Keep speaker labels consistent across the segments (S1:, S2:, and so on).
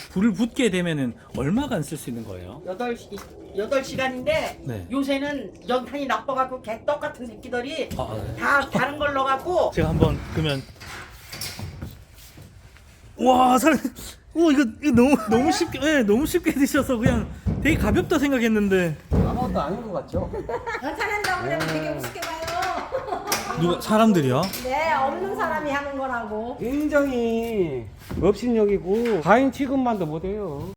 S1: 불을 붓게 되면은 얼마간 쓸 수 있는 거예요?
S2: 8시간인데
S1: 네.
S2: 요새는 연탄이 나빠갖고 개떡 같은 새끼들이
S1: 네.
S2: 다 다른 걸 넣어갖고
S1: 제가 한번 그러면 와 사장님, 이거 너무 쉽게, 네, 너무 쉽게 드셔서 그냥 되게 가볍다 생각했는데
S3: 아무것도 아닌 것 같죠?
S4: 연탄한다고 그러면 되게 우습게 봐요.
S1: 누가 사람들이요?
S4: 네, 없는 사람이 하는 거라고.
S3: 굉장히 업신여기고 과인 취급만도 못해요.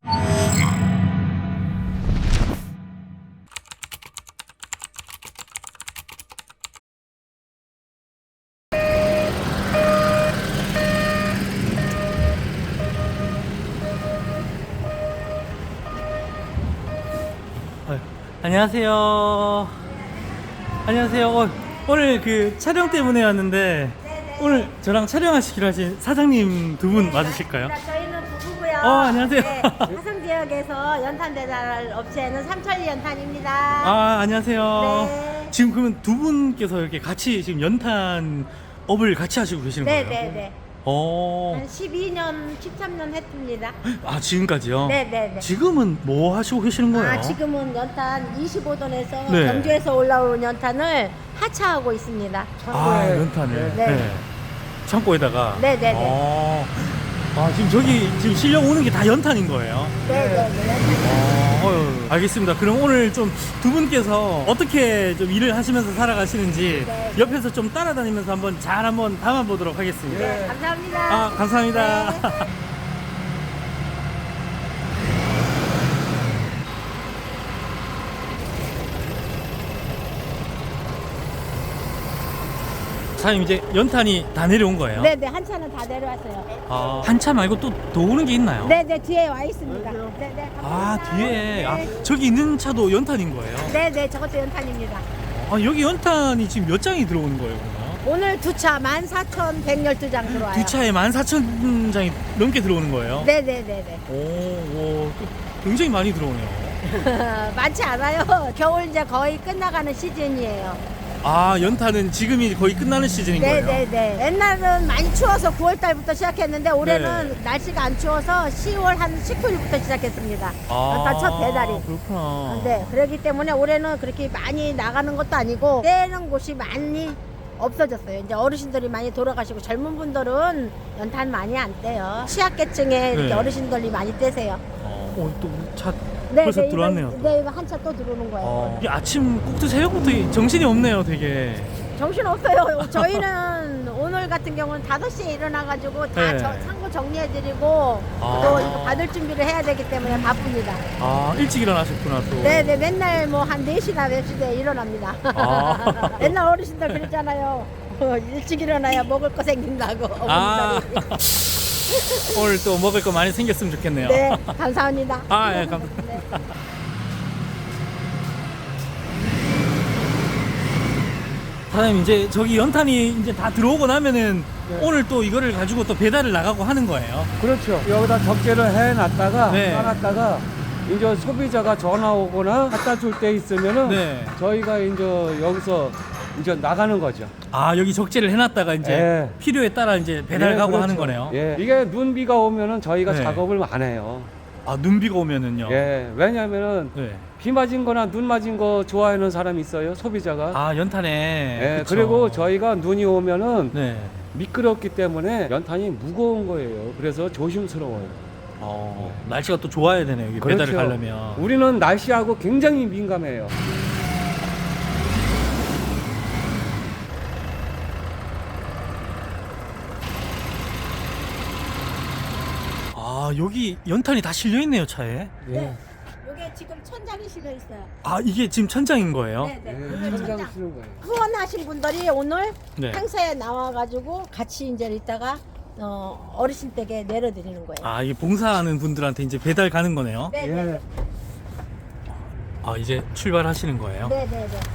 S1: 안녕하세요. 안녕하세요. 오늘 그 촬영 때문에 왔는데 오늘 저랑 촬영하시기로 하신 사장님 두 분 맞으실까요?
S4: 저희는 부부고요.
S1: 안녕하세요.
S4: 네, 화성 지역에서 연탄 배달 업체는 삼천리 연탄입니다.
S1: 안녕하세요.
S4: 네.
S1: 지금 그러면 두 분께서 이렇게 같이 지금 연탄 업을 같이 하시고 계시는 거예요?
S4: 네네네. 한 12년, 13년 했습니다.
S1: 지금까지요?
S4: 네네네.
S1: 지금은 뭐 하시고 계시는 거예요?
S4: 지금은 연탄 25돈에서
S1: 네.
S4: 경주에서 올라온 연탄을 하차하고 있습니다.
S1: 연탄을.
S4: 네.
S1: 창고에다가.
S4: 네네네.
S1: 지금 저기 지금 실려 오는 게 다 연탄인 거예요?
S4: 네네네.
S1: 알겠습니다. 그럼 오늘 좀 두 분께서 어떻게 좀 일을 하시면서 살아가시는지
S4: 네.
S1: 옆에서 좀 따라다니면서 한번 담아보도록 하겠습니다.
S4: 네, 감사합니다.
S1: 감사합니다.
S4: 네.
S1: 사장님 이제 연탄이 다 내려온 거예요?
S4: 네네, 한 차는 다 내려왔어요.
S1: 한 차 말고 또 더 오는 게 있나요?
S4: 네네, 뒤에 와 있습니다. 네네, 감사합니다.
S1: 뒤에.
S4: 네.
S1: 저기 있는 차도 연탄인 거예요?
S4: 네네, 저것도 연탄입니다.
S1: 여기 연탄이 지금 몇 장이 들어오는 거예요, 그러면?
S4: 오늘 두 차 14,112장 들어와요.
S1: 두 차에 14,000장이 넘게 들어오는 거예요?
S4: 네네네네.
S1: 또 굉장히 많이 들어오네요.
S4: 많지 않아요. 겨울 이제 거의 끝나가는 시즌이에요.
S1: 연탄은 지금이 거의 끝나는 시즌인 거예요?
S4: 네네네. 옛날은 많이 추워서 9월달부터 시작했는데 올해는
S1: 네.
S4: 날씨가 안 추워서 10월 한 19일부터 시작했습니다. 연탄 첫 배달이.
S1: 그렇구나.
S4: 네, 그렇기 때문에 올해는 그렇게 많이 나가는 것도 아니고 떼는 곳이 많이 없어졌어요. 이제 어르신들이 많이 돌아가시고 젊은 분들은 연탄 많이 안 떼요. 취약계층의 이렇게
S1: 네.
S4: 어르신들이 많이 떼세요.
S1: 또 차 벌써 들어왔네요.
S4: 네, 이거 한 차 또 들어오는 거예요.
S1: 이게 아침 꼭두 새벽부터 정신이 없네요, 되게.
S4: 정신 없어요. 저희는 오늘 같은 경우는 5시에 일어나가지고 다
S1: 네.
S4: 창고 정리해드리고 또 이거 받을 준비를 해야 되기 때문에 바쁩니다.
S1: 일찍 일어나셨구나, 또.
S4: 네네, 맨날 뭐 한 4시나 몇 시에 일어납니다. 옛날 어르신들 그랬잖아요. 일찍 일어나야 먹을 거 생긴다고. 어머니들이.
S1: 오늘 또 먹을 거 많이 생겼으면 좋겠네요.
S4: 네, 감사합니다.
S1: 예, 감사합니다.
S4: 네.
S1: 사장님, 이제 저기 연탄이 이제 다 들어오고 나면은
S3: 네.
S1: 오늘 또 이거를 가지고 또 배달을 나가고 하는 거예요.
S3: 그렇죠. 여기다 적재를 해놨다가
S1: 네.
S3: 쌓았다가 이제 소비자가 전화 오거나 갖다 줄 때 있으면은
S1: 네.
S3: 저희가 이제 여기서 이제 나가는 거죠.
S1: 여기 적재를 해놨다가 이제
S3: 예.
S1: 필요에 따라 이제 배달
S3: 예,
S1: 가고
S3: 그렇죠.
S1: 하는 거네요.
S3: 예. 이게 눈비가 오면은 저희가
S1: 네.
S3: 작업을 안 해요.
S1: 눈비가 오면은요.
S3: 예. 왜냐면은
S1: 네.
S3: 비 맞은 거나 눈 맞은 거 좋아하는 사람이 있어요. 소비자가.
S1: 연탄에.
S3: 예.
S1: 그쵸.
S3: 그리고 저희가 눈이 오면은
S1: 네.
S3: 미끄럽기 때문에 연탄이 무거운 거예요. 그래서 조심스러워요.
S1: 날씨가 또 좋아야 되네요. 여기 배달을
S3: 그렇죠.
S1: 가려면.
S3: 우리는 날씨하고 굉장히 민감해요.
S1: 여기 연탄이 다 실려 있네요, 차에.
S4: 네. 이게 지금 천장이 실려 있어요.
S1: 이게 지금 천장인 거예요?
S4: 네, 네.
S3: 예,
S4: 이게
S3: 천장
S4: 천장.
S3: 쓰는 거예요.
S4: 후원하신 분들이 오늘
S1: 네.
S4: 행사에 나와가지고 같이 이제 이따가 어르신 댁에 내려드리는 거예요.
S1: 이게 봉사하는 분들한테 이제 배달 가는 거네요.
S4: 네, 네,
S3: 예.
S4: 네.
S1: 이제 출발하시는 거예요?
S4: 네, 네, 네.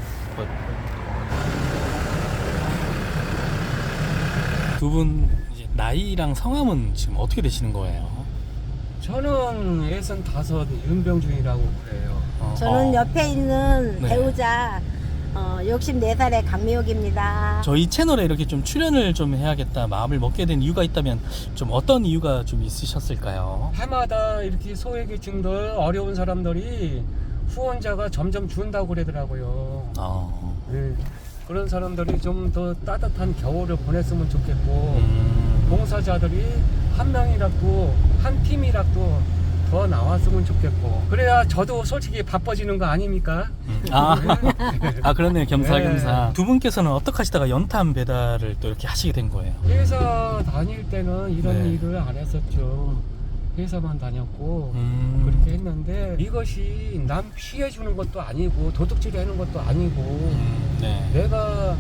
S1: 두 분 나이랑 성함은 지금 어떻게 되시는 거예요?
S3: 저는 65 윤병준이라고 그래요.
S4: 저는 옆에 있는
S1: 네.
S4: 배우자 64살의 강미옥입니다.
S1: 저희 채널에 이렇게 좀 출연을 좀 해야겠다 마음을 먹게 된 이유가 있다면 좀 어떤 이유가 좀 있으셨을까요?
S3: 해마다 이렇게 소외계층들 어려운 사람들이 후원자가 점점 준다고 그러더라고요. 네. 그런 사람들이 좀 더 따뜻한 겨울을 보냈으면 좋겠고 봉사자들이 한 명이라도 한 팀이라도 더 나왔으면 좋겠고 그래야 저도 솔직히 바빠지는 거 아닙니까?
S1: 아 그렇네요. 겸사겸사.
S3: 네.
S1: 두 분께서는 어떻게 하시다가 연탄 배달을 또 이렇게 하시게 된 거예요?
S3: 회사 다닐 때는 이런
S1: 네.
S3: 일을 안 했었죠. 회사만 다녔고 그렇게 했는데 이것이 남 피해 주는 것도 아니고 도둑질 하는 것도 아니고
S1: 네.
S3: 내가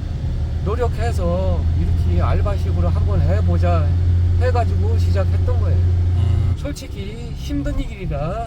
S3: 노력해서 이렇게 알바식으로 한번 해보자 해가지고 시작했던 거예요. 솔직히 힘든 일이라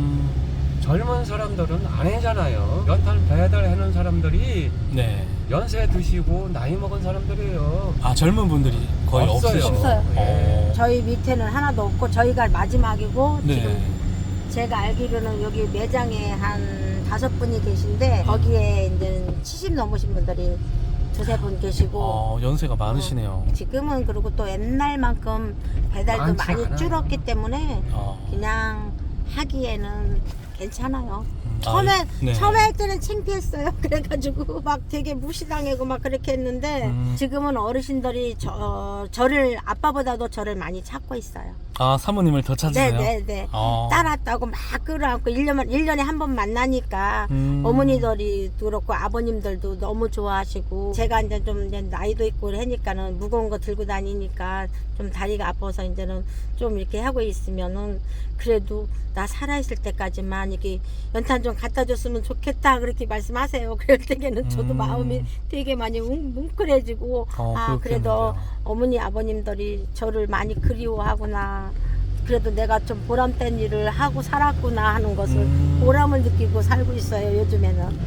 S3: 젊은 사람들은 안 하잖아요. 연탄 배달하는 사람들이
S1: 네.
S3: 연세 드시고 나이 먹은 사람들이에요.
S1: 아 젊은 분들이 거의
S3: 없어요.
S1: 없으시고.
S4: 없어요.
S3: 네.
S4: 저희 밑에는 하나도 없고 저희가 마지막이고
S1: 네.
S4: 지금 제가 알기로는 여기 매장에 한 5분이 계신데 거기에 이제 70 넘으신 분들이 두세 분 계시고
S1: 연세가 많으시네요.
S4: 지금은 그리고 또 옛날만큼 배달도
S3: 많지
S4: 많이
S3: 않아요.
S4: 줄었기 때문에 그냥 하기에는 괜찮아요. 처음에
S1: 네.
S4: 처음에 할 때는 창피했어요. 그래가지고 막 되게 무시당하고 막 그렇게 했는데 지금은 어르신들이 저를 아빠보다도 저를 많이 찾고 있어요.
S1: 아 사모님을 더 찾으세요?
S4: 네네네. 따랐다고 막 끌어안고 1년에 한 번 만나니까 어머니들이 그렇고 아버님들도 너무 좋아하시고 제가 이제 좀 이제 나이도 있고 하니까는 무거운 거 들고 다니니까 좀 다리가 아파서 이제는 좀 이렇게 하고 있으면은 그래도 나 살아있을 때까지만 이렇게 연탄 좀 갖다 줬으면 좋겠다 그렇게 말씀하세요. 그럴 때에는 저도 마음이 되게 많이 뭉클해지고 그래도 어머니 아버님들이 저를 많이 그리워하구나. 그래도 내가 좀 보람된 일을 하고 살았구나 하는 것을 보람을 느끼고 살고 있어요. 요즘에는.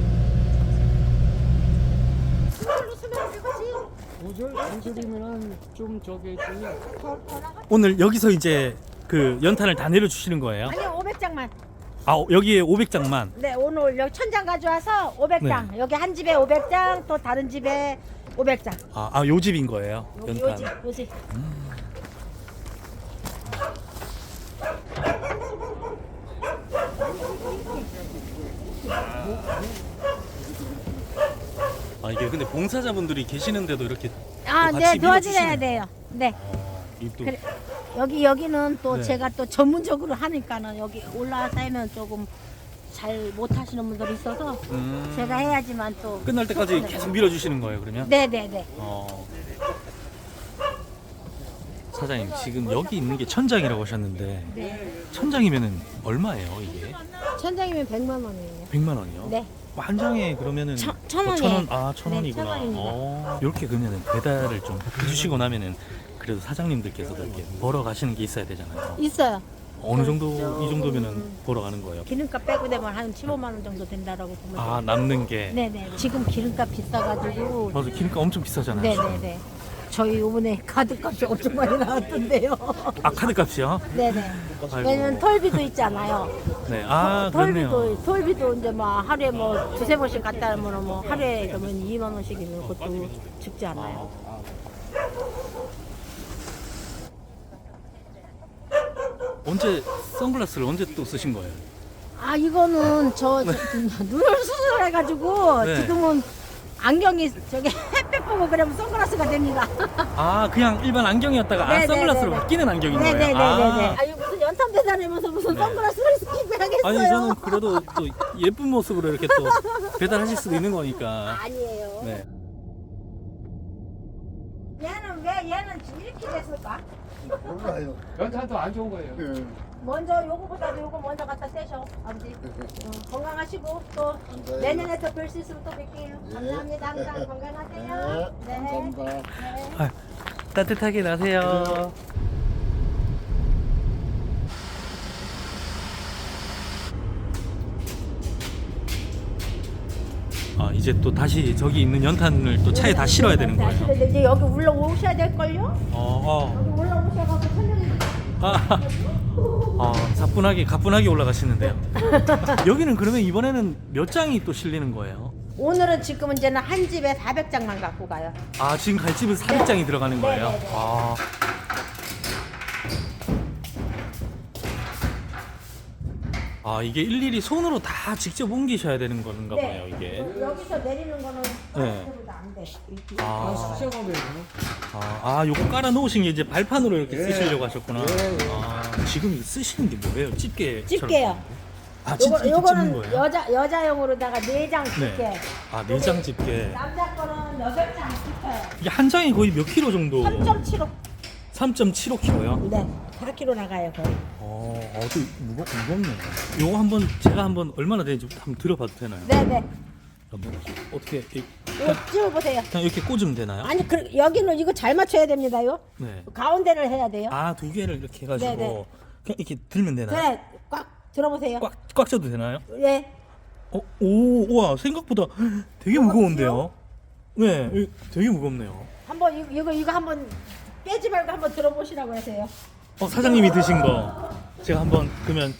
S3: 오절 간절이면은 좀 저기 있더니
S1: 오늘 여기서 이제 그 연탄을 다 내려주시는 거예요?
S4: 아니요 500장만.
S1: 아 여기에 500장만.
S4: 네 오늘 여기 1000장 가져와서 500장. 여기 한 집에 500장 또 다른 집에 500장.
S1: 요 집인 거예요? 연탄.
S4: 요집.
S1: 이게 근데 봉사자분들이 계시는데도 이렇게
S4: 네 도와드려야 돼요. 네.
S1: 또
S4: 그래, 여기는 또
S1: 네.
S4: 제가 또 전문적으로 하니까는 여기 올라와서 하면 조금 잘 못하시는 분들이 있어서 제가 해야지만 또
S1: 끝날 때까지 계속 밀어주시는 거예요 그러면?
S4: 네네네.
S1: 사장님 지금 여기 있는 게 천장이라고 하셨는데
S4: 네.
S1: 천장이면은 얼마예요 이게?
S4: 천장이면 100만 원이에요.
S1: 100만 원이요?
S4: 네.
S1: 한 장에 그러면은
S4: 천
S1: 천
S4: 원에.
S1: 원? 천
S4: 네,
S1: 원이구나.
S4: 1000원입니다.
S1: 이렇게 그러면은 배달을 좀 해주시고 나면은 그래도 사장님들께서도 이렇게 벌어 가시는 게 있어야 되잖아요.
S4: 있어요.
S1: 어느 정도 이 정도면은 벌어 가는 거예요?
S4: 기름값 빼고 되면 한 15만 원 정도 된다라고 보면 돼요.
S1: 남는 게.
S4: 네네. 지금 기름값 비싸가지고.
S1: 맞아 기름값 엄청 비싸잖아요.
S4: 네네네. 저희 요번에 카드값이 엄청 많이 나왔던데요.
S1: 카드값이요?
S4: 네네.
S1: 아이고.
S4: 왜냐면 톨비도 있잖아요.
S1: 네. 그렇네요.
S4: 톨비도 이제 뭐 하루에 뭐 두세 번씩 갔다 오면 뭐 하루에 그러면 2만 원씩이면 그것도 죽지 않아요.
S1: 언제 선글라스를 언제 또 쓰신 거예요?
S4: 이거는 저 눈을 수술해가지고
S1: 네.
S4: 지금은 안경이 저기 햇빛 보고 그러면 선글라스가 됩니다.
S1: 그냥 일반 안경이었다가
S4: 네네네네.
S1: 선글라스로 바뀌는 안경인 거예요?
S4: 네네네네. 아니 무슨 연탄 배달하면서 무슨 선글라스를 끼고 하겠어요?
S1: 아니 저는 그래도 또 예쁜 모습으로 이렇게 또 배달하실 수도 있는 거니까.
S4: 아니에요.
S1: 네.
S4: 얘는 이렇게 됐을까?
S5: 몰라요.
S3: 연탄도 안 좋은 거예요.
S5: 예.
S4: 먼저 요거보다도 요거 먼저 갖다 떼셔 아버지. 건강하시고 또 내년에 또 뵐 수 있으면 또 뵐게요. 감사합니다. 항상 건강하세요.
S5: 네, 감사합니다.
S4: 네.
S1: 따뜻하게 나세요. 이제 또 다시 저기 있는 연탄을 또 차에 다 실어야 되는 거예요.
S4: 근데 이제 여기 올라오셔야 될걸요? 여기 올라오셔가지고 설명해
S1: 가뿐하게 올라가시는데요. 여기는 그러면 이번에는 몇 장이 또 실리는 거예요?
S4: 오늘은 지금은 이제는 한 집에 400장만 갖고 가요.
S1: 아, 지금 갈 집은 400장이 들어가는 거예요?
S4: 네, 네, 네.
S1: 아. 아, 이게 일일이 손으로 다 직접 옮기셔야 되는 건가 봐요, 이게.
S4: 여기서 내리는 거는
S1: 네.
S4: 때보다 안 돼.
S1: 아,
S3: 수작업이에요.
S1: 요거 깔아 놓으신 게 이제 발판으로 이렇게
S3: 예.
S1: 쓰시려고 하셨구나.
S3: 예, 예.
S1: 아, 지금 이거 쓰시는 게 뭐예요? 집게.
S4: 집게요.
S1: 아, 진짜 이렇게
S4: 요거는
S1: 찍는 거예요?
S4: 여자용으로다가 4장 집게.
S1: 네. 아, 내장 집게.
S4: 남자 거는 8장 집혀요.
S1: 이게 한 장이 거의 몇 킬로 정도?
S4: 3.75.
S1: 3.75kg요?
S4: 네. 4kg 나가요, 거의.
S1: 좀 무겁네요. 요거 한번 제가 한번 얼마나 되는지 한번 들어봐도 되나요?
S4: 네네.
S1: 한번 어떻게
S4: 이거 찍어보세요.
S1: 그냥 이렇게 꽂으면 되나요?
S4: 아니, 여기는 이거 잘 맞춰야 됩니다요.
S1: 네.
S4: 가운데를 해야 돼요.
S1: 아, 두 개를 이렇게 해가지고
S4: 네네.
S1: 그냥 이렇게 들면 되나요?
S4: 그래, 꽉 들어보세요.
S1: 꽉 쥐어도 되나요?
S4: 네.
S1: 우와, 생각보다 되게 무거운데요? 네, 되게 무겁네요.
S4: 한번 이거 한번 빼지 말고 한번 들어보시라고 하세요.
S1: 사장님이 드신 거 제가 한번 그러면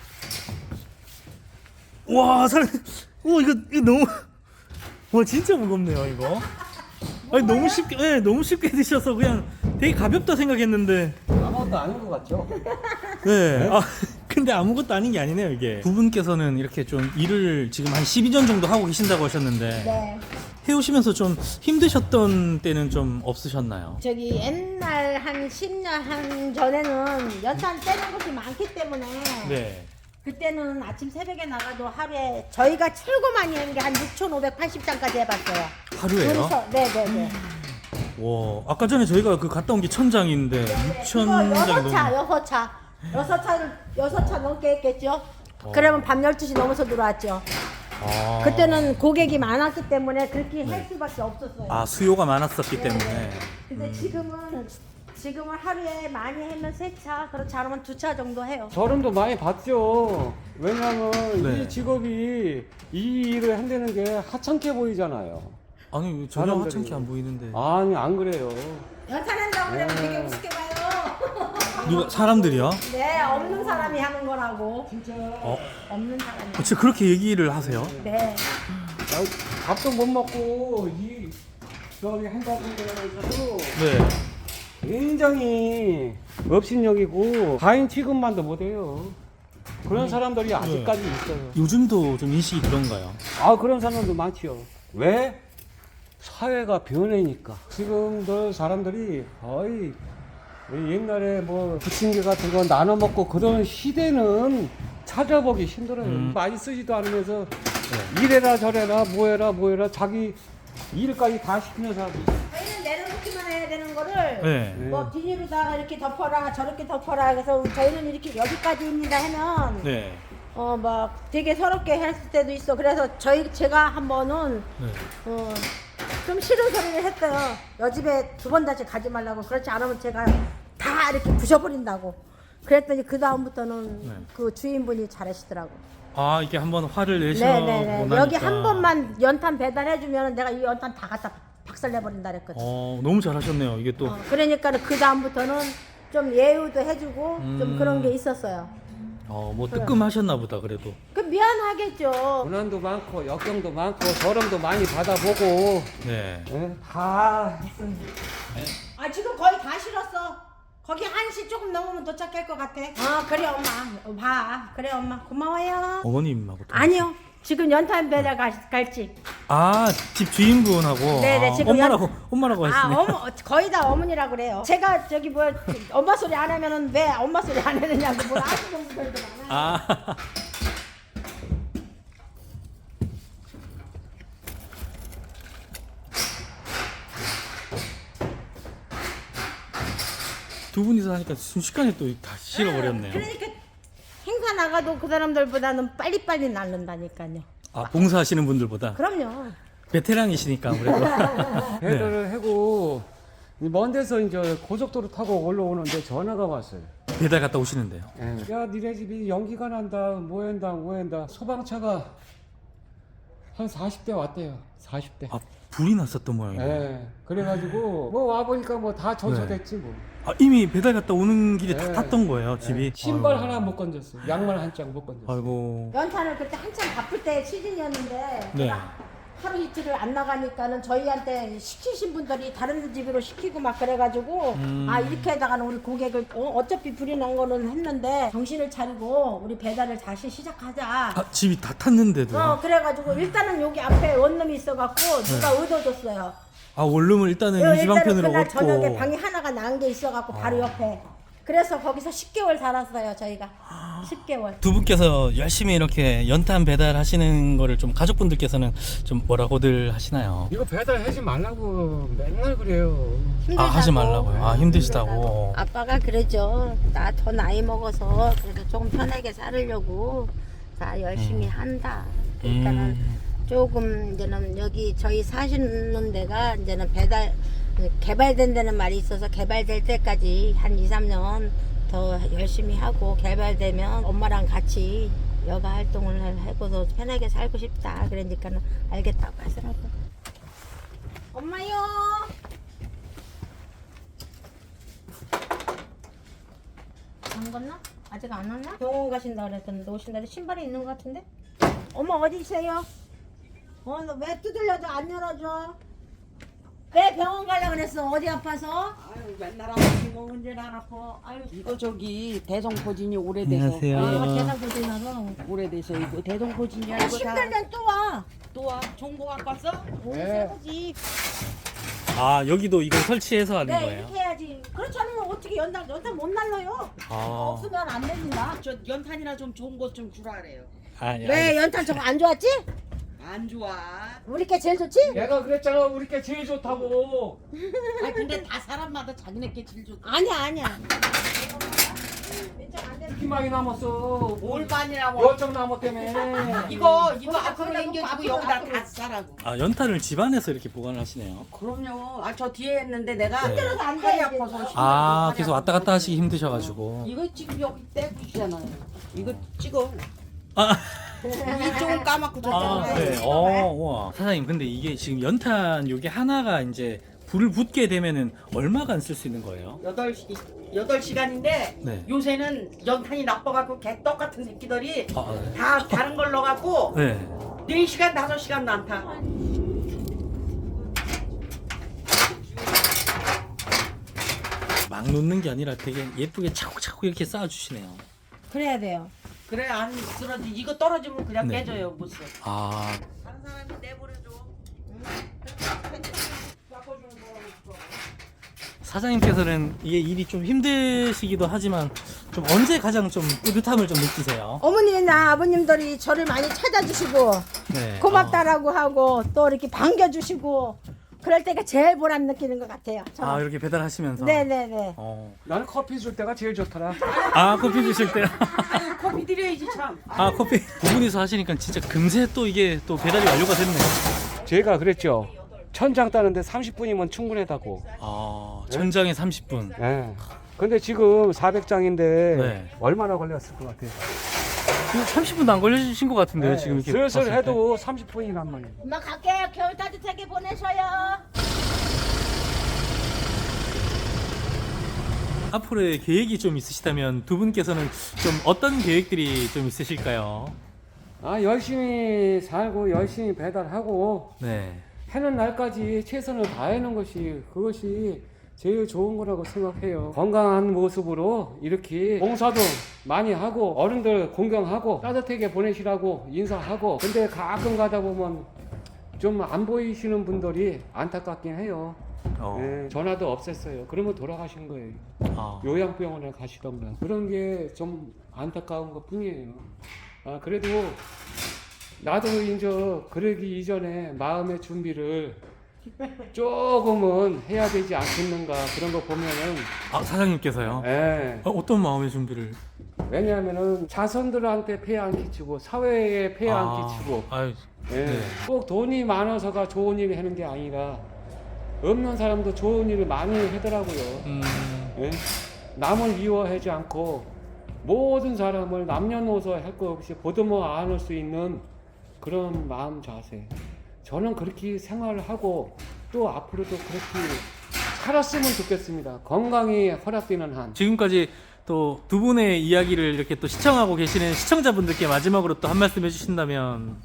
S1: 와, 이거 너무 와, 진짜 무겁네요, 이거. 아니, 너무 쉽게 드셔서 그냥 되게 가볍다 생각했는데.
S3: 아무것도 아닌 것 같죠?
S1: 네. 근데 아무것도 아닌 게 아니네요, 이게. 두 분께서는 이렇게 좀 일을 지금 한 12년 정도 하고 계신다고 하셨는데
S4: 네.
S1: 해오시면서 좀 힘드셨던 때는 좀 없으셨나요?
S4: 저기 옛날 한 10년 한 전에는 연탄 떼는 곳이 많기 때문에
S1: 네.
S4: 그때는 아침 새벽에 나가도 하루에 저희가 최고 많이 한 게 한 6,580장까지 해봤어요.
S1: 하루에요?
S4: 네네네.
S1: 와, 아까 전에 저희가 그 갔다 온 게 1,000장인데 6,000장이 넘는.
S4: 6차 넘게 했겠죠. 그러면 밤 12시 넘어서 들어왔죠.
S1: 아.
S4: 그때는 고객이 많았기 때문에 그렇게 할 수밖에 없었어요.
S1: 수요가 많았었기 때문에.
S4: 근데 지금은 하루에 많이 하면 3차, 그렇지 않으면 2차 정도 해요.
S3: 저름도 많이 받죠. 왜냐면
S1: 네.
S3: 이 직업이 이 일을 한다는 게 하찮게 보이잖아요.
S1: 아니, 전혀
S3: 사람들이.
S1: 하찮게 안 보이는데.
S3: 아니 안 그래요.
S4: 연탄한다고 그러면 되게 우습게 봐요.
S1: 누가, 사람들이요?
S4: 네, 없는 사람이 하는 거라고.
S1: 어?
S4: 없는 사람이.
S1: 진짜 그렇게 얘기를 하세요?
S4: 네.
S3: 밥도 못 먹고 이 저기 한다고 그래가지고
S1: 네.
S3: 굉장히 업신여기고 가인 취급만도 못해요. 그런 사람들이 아직까지 있어요.
S1: 요즘도 좀 인식이 그런가요?
S3: 그런 사람도 많지요. 왜? 사회가 변해니까. 지금들 사람들이 거의 옛날에 뭐 부침개 같은 거 나눠 먹고 그런 시대는 찾아보기 힘들어요. 많이 쓰지도 않으면서 이래라 저래라 뭐해라 자기 일까지 다 시키는 사람이 있어요.
S4: 저희는 내려놓기만 해야 되는 거를
S1: 네.
S4: 뭐 비닐로다가 이렇게 덮어라 저렇게 덮어라 그래서 저희는 이렇게 여기까지입니다 하면
S1: 네.
S4: 막 되게 서럽게 했을 때도 있어. 그래서 제가 한 번은
S1: 네.
S4: 좀 싫은 소리를 했어요. 여집에 2번 다시 가지 말라고. 그렇지 않으면 제가 다 이렇게 부셔버린다고. 그랬더니 그 다음부터는
S1: 네.
S4: 그 주인분이 잘하시더라고.
S1: 이게 한번 화를 내시고
S4: 네네네.
S1: 나니까.
S4: 여기 한 번만 연탄 배달해주면 내가 이 연탄 다 갖다 박살내버린다 그랬거든.
S1: 너무 잘하셨네요. 이게 또.
S4: 그러니까 그 다음부터는 좀 예우도 해주고 좀 그런 게 있었어요.
S1: 뭐 뜨끔하셨나 보다 그래도.
S4: 그 미안하겠죠.
S3: 고난도 많고 역경도 많고 저름도 많이 받아보고
S1: 네.
S3: 다
S4: 지금 거의 다 실었어. 거기 1시 조금 넘으면 도착할 것 같아. 그래 엄마. 봐. 그래 엄마. 고마워요.
S1: 어머님하고 또.
S4: 아니요. 지금 연탄 배달 갈지.
S1: 집 주인분하고.
S4: 네네, 지금
S1: 엄마라고 하시네.
S4: 거의 다 어머니라고 그래요. 제가 저기 엄마 소리 안 하면은 왜 엄마 소리 안 하느냐고 뭘 아시는 분들도 많아요.
S1: 두 분이서 하니까 순식간에 또 다 실어버렸네요.
S4: 그러니까 행사 나가도 그 사람들보다는 빨리빨리 날른다니까요.
S1: 봉사하시는 분들보다.
S4: 그럼요.
S1: 베테랑이시니까 아무래도.
S3: 배달을 하고 먼 데서 이제 고속도로 타고 올라오는데 전화가 왔어요.
S1: 배달 갔다 오시는데요.
S3: 야, 니네 집이 연기가 난다. 뭐한다. 소방차가 한 40대 왔대요. 40대.
S1: 불이 났었던 모양이에요.
S3: 예. 그래가지고 뭐 와보니까 뭐 다 전소됐지 뭐.
S1: 이미 배달 갔다 오는 길에 다
S3: 네.
S1: 탔던 거예요, 집이.
S3: 신발 하나 못 건졌어. 양말 한 짝 못 건졌어.
S1: 아이고.
S4: 연탄을 그때 한참 바쁠 때 시즌이었는데
S1: 네.
S4: 제가 하루 이틀을 안 나가니까는 저희한테 시키신 분들이 다른 집으로 시키고 막 그래가지고 아 이렇게다가는 우리 고객을 어차피 불이 난 거는 했는데 정신을 차리고 우리 배달을 다시 시작하자.
S1: 아, 집이 다 탔는데도.
S4: 그래가지고 일단은 여기 앞에 원룸이 있어갖고 누가 얻어줬어요.
S1: 아, 원룸을 일단은 임시방편으로
S4: 그날
S1: 얻고.
S4: 저녁에 방이 하나가 난 게 있어갖고 바로 옆에. 그래서 거기서 10개월 살았어요 저희가. 10개월.
S1: 두 분께서 열심히 이렇게 연탄 배달하시는 거를 좀 가족분들께서는 좀 뭐라고들 하시나요?
S3: 이거 배달하지 말라고 맨날 그래요.
S1: 아, 하지 말라고요. 아, 힘드시다고.
S4: 아빠가 그러죠. 나 더 나이 먹어서 그래도 조금 편하게 살으려고 다 열심히 한다. 그러니까는 조금 이제는 여기 저희 사시는 데가 이제는 개발된 데는 말이 있어서 개발될 때까지 한 2, 3년 더 열심히 하고 개발되면 엄마랑 같이 여가 활동을 하고서 편하게 살고 싶다. 그러니까는 알겠다고 하더라고. 엄마요. 안 갔나? 아직 안 왔나? 병원 가신다 그랬더니 오신다. 신발이 있는 것 같은데? 엄마 어디세요? 너 왜 두들려도 안 열어줘? 왜 병원 가려고 그랬어? 어디 아파서?
S2: 아유 맨날 아프지 뭐 언제나 안 아파. 아유 이거 저기 대성포진이 오래돼서.
S1: 안녕하세요.
S4: 아, 계단 고생하러.
S2: 오래돼서 이거 대성포진이야 이거 다.
S4: 힘들면 또 와.
S2: 또 와. 종고 갖고 왔어?
S4: 오,
S3: 네.
S4: 새거지.
S1: 아, 여기도 이걸 설치해서 하는
S4: 네,
S1: 거예요?
S4: 이렇게 해야지. 그렇지 않으면 어떻게 연탄 못 날라요.
S1: 아.
S4: 없으면 안 됩니다.
S2: 저 연탄이나 좀 좋은 것 좀 주라 그래요.
S1: 아, 예,
S4: 왜 연탄 저거 안 좋았지?
S2: 안 좋아.
S4: 우리 게 제일 좋지?
S3: 내가 그랬잖아 우리 게 제일 좋다고.
S2: 아 근데 다 사람마다 자기네께 제일 좋다.
S4: 아니야.
S3: 이렇게 많이 남았어.
S2: 뭘 많이 남아.
S3: 열정 나무 때문에.
S2: 이거
S4: 거기다
S2: 앞으로
S4: 거기다 놓고
S2: 당겨주고
S4: 앞으로,
S2: 여기다
S4: 앞으로.
S2: 다 싸라고.
S1: 아, 연탄을 집안에서 이렇게 보관을 하시네요.
S2: 그럼요. 아 저 뒤에 했는데 내가
S1: 네.
S4: 힘들어서 안
S2: 팔이
S4: 돼,
S2: 아파서.
S4: 이제.
S1: 아,
S2: 팔이
S1: 계속 왔다 갔다 하시기 힘드셔가지고.
S2: 이거 지금 여기 떼주잖아요. 이거 찍어.
S1: 아,
S2: 이쪽은 까맣고
S1: 아,
S2: 저쪽은
S1: 네. 우와. 사장님, 근데 이게 지금 연탄 요게 하나가 이제 불을 붙게 되면은 얼마간 쓸 수 있는 거예요?
S2: 8시간인데
S1: 네.
S2: 요새는 연탄이 나빠갖고 개떡 같은 새끼들이
S1: 아, 네.
S2: 다 다른 걸 넣어갖고
S1: 네.
S2: 4시간 5시간도 안 타.
S1: 막 놓는 게 아니라 되게 예쁘게 차곡차곡 이렇게 쌓아주시네요.
S4: 그래야 돼요.
S2: 그래 안 쓰러지. 이거 떨어지면 그냥
S1: 네.
S2: 깨져요. 못 써.
S1: 아,
S2: 다른 사람이 내버려줘.
S1: 사장님께서는 이게 일이 좀 힘드시기도 하지만 좀 언제 가장 좀 뿌듯함을 좀 느끼세요?
S4: 어머니나 아버님들이 저를 많이 찾아주시고
S1: 네.
S4: 고맙다라고 하고 또 이렇게 반겨주시고 그럴 때가 제일 보람 느끼는 것 같아요. 저는.
S1: 아, 이렇게 배달하시면서.
S4: 네네네.
S3: 나는 커피 줄 때가 제일 좋더라.
S1: 아, 커피 드실 때.
S2: 아유 커피 드려야지 참.
S1: 아, 커피 두 분이서 하시니까 진짜 금세 또 이게 또 배달이 완료가 됐네요.
S3: 제가 그랬죠. 천장 따는데 30분이면 충분하다고.
S1: 아, 천장에 30분.
S3: 예. 근데 지금 400장인데
S1: 네.
S3: 얼마나 걸렸을 것 같아요?
S1: 지금 30분도 안 걸려주신 것 같은데요, 지금 이렇게.
S3: 슬슬
S1: 봤을 때.
S3: 해도 30분이란 말이에요.
S4: 엄마 갈게요. 겨울 따뜻하게 보내셔요.
S1: 앞으로의 계획이 좀 있으시다면 두 분께서는 좀 어떤 계획들이 좀 있으실까요?
S3: 아 열심히 살고 열심히 배달하고
S1: 네.
S3: 해는 날까지 최선을 다하는 것이 그것이 제일 좋은 거라고 생각해요. 건강한 모습으로 이렇게 봉사도 많이 하고 어른들 공경하고 따뜻하게 보내시라고 인사하고 근데 가끔 가다 보면 좀 안 보이시는 분들이 안타깝긴 해요. 네, 전화도 없앴어요. 그러면 돌아가신 거예요.
S1: 아.
S3: 요양병원에 가시던가 그런 게 좀 안타까운 것 뿐이에요. 아 그래도 나도 이제 그러기 이전에 마음의 준비를 조금은 해야 되지 않겠는가 그런 거 보면은
S1: 아, 사장님께서요?
S3: 예.
S1: 어떤 마음의 준비를?
S3: 왜냐하면은 자손들한테 폐해 안 끼치고 사회에 폐해 안 끼치고
S1: 아유,
S3: 예.
S1: 네.
S3: 꼭 돈이 많아서가 좋은 일을 하는 게 아니라 없는 사람도 좋은 일을 많이 하더라고요. 예? 남을 미워하지 않고 모든 사람을 남녀노소 할 것 없이 보듬어 안을 수 있는 그런 마음 자세. 저는 그렇게 생활을 하고 또 앞으로도 그렇게 살았으면 좋겠습니다. 건강이 허락되는 한.
S1: 지금까지 또 두 분의 이야기를 이렇게 또 시청하고 계시는 시청자분들께 마지막으로 또 한 말씀 해주신다면.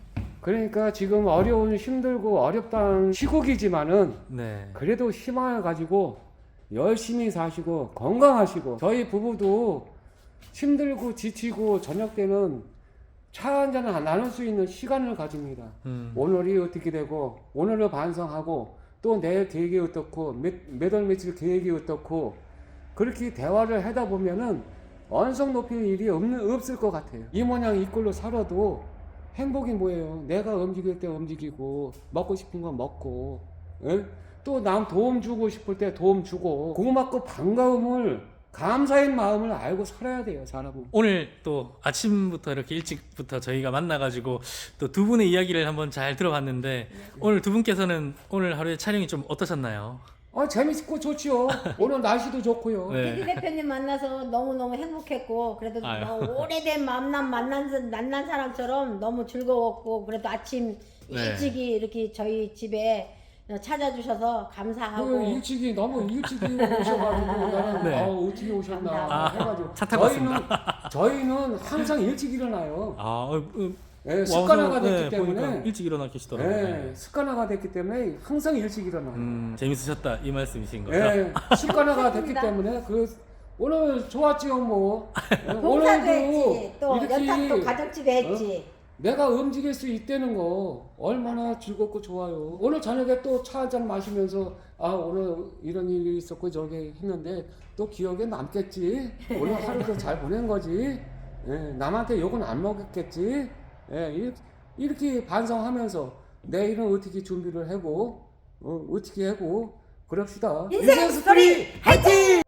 S3: 그러니까 지금 어려운 힘들고 어렵다는 시국이지만은
S1: 네.
S3: 그래도 희망을 가지고 열심히 사시고 건강하시고 저희 부부도 힘들고 지치고 저녁 때는 차 한잔 나눌 수 있는 시간을 가집니다. 오늘이 어떻게 되고 오늘을 반성하고 또 내일 계획이 어떻고 몇 월 며칠 계획이 어떻고 그렇게 대화를 하다 보면은 언성 높일 일이 없을 것 같아요. 이 모양 이 꼴로 살아도 행복이 뭐예요? 내가 움직일 때 움직이고 먹고 싶은 거 먹고 또 남 도움 주고 싶을 때 도움 주고 고맙고 반가움을 감사의 마음을 알고 살아야 돼요, 사람은.
S1: 오늘 또 아침부터 이렇게 일찍부터 저희가 만나가지고 또 두 분의 이야기를 한번 잘 들어봤는데 오늘 두 분께서는 오늘 하루의 촬영이 좀 어떠셨나요?
S3: 재밌고 좋지요. 오늘 날씨도 좋고요.
S1: 네.
S4: PD 대표님 만나서 너무너무 행복했고 그래도
S1: 아유.
S4: 오래된 만난 사람처럼 너무 즐거웠고 그래도 아침
S1: 네.
S4: 일찍이 이렇게 저희 집에 찾아주셔서 감사하고
S3: 일찍이 너무 일찍이 오셔가지고 나는
S1: 네.
S3: 어떻게 오셨나
S4: 감사합니다.
S3: 해가지고
S1: 차 타고
S3: 저희는 항상 일찍 일어나요.
S1: 와서,
S3: 습관화가 됐기
S1: 네,
S3: 때문에
S1: 보니까 일찍 일어나 계시더라고요. 네.
S3: 습관화가 됐기 때문에 항상 일찍 일어나요.
S1: 재밌으셨다 이 말씀이신 거죠?
S3: 습관화가 됐기
S4: 감사합니다.
S3: 때문에 오늘 좋았지요 뭐.
S4: 봉사도 했지 또
S3: 이렇게
S4: 연탁도 가족집에 했지
S3: 내가 움직일 수 있다는 거 얼마나 즐겁고 좋아요. 오늘 저녁에 또 차 한잔 마시면서 오늘 이런 일이 있었고 저게 했는데 또 기억에 남겠지. 오늘 하루도 잘 보낸 거지. 남한테 욕은 안 먹었겠지. 이렇게 반성하면서 내일은 어떻게 준비를 하고 어떻게 하고 그럽시다.
S4: 인생 스토리 화이팅!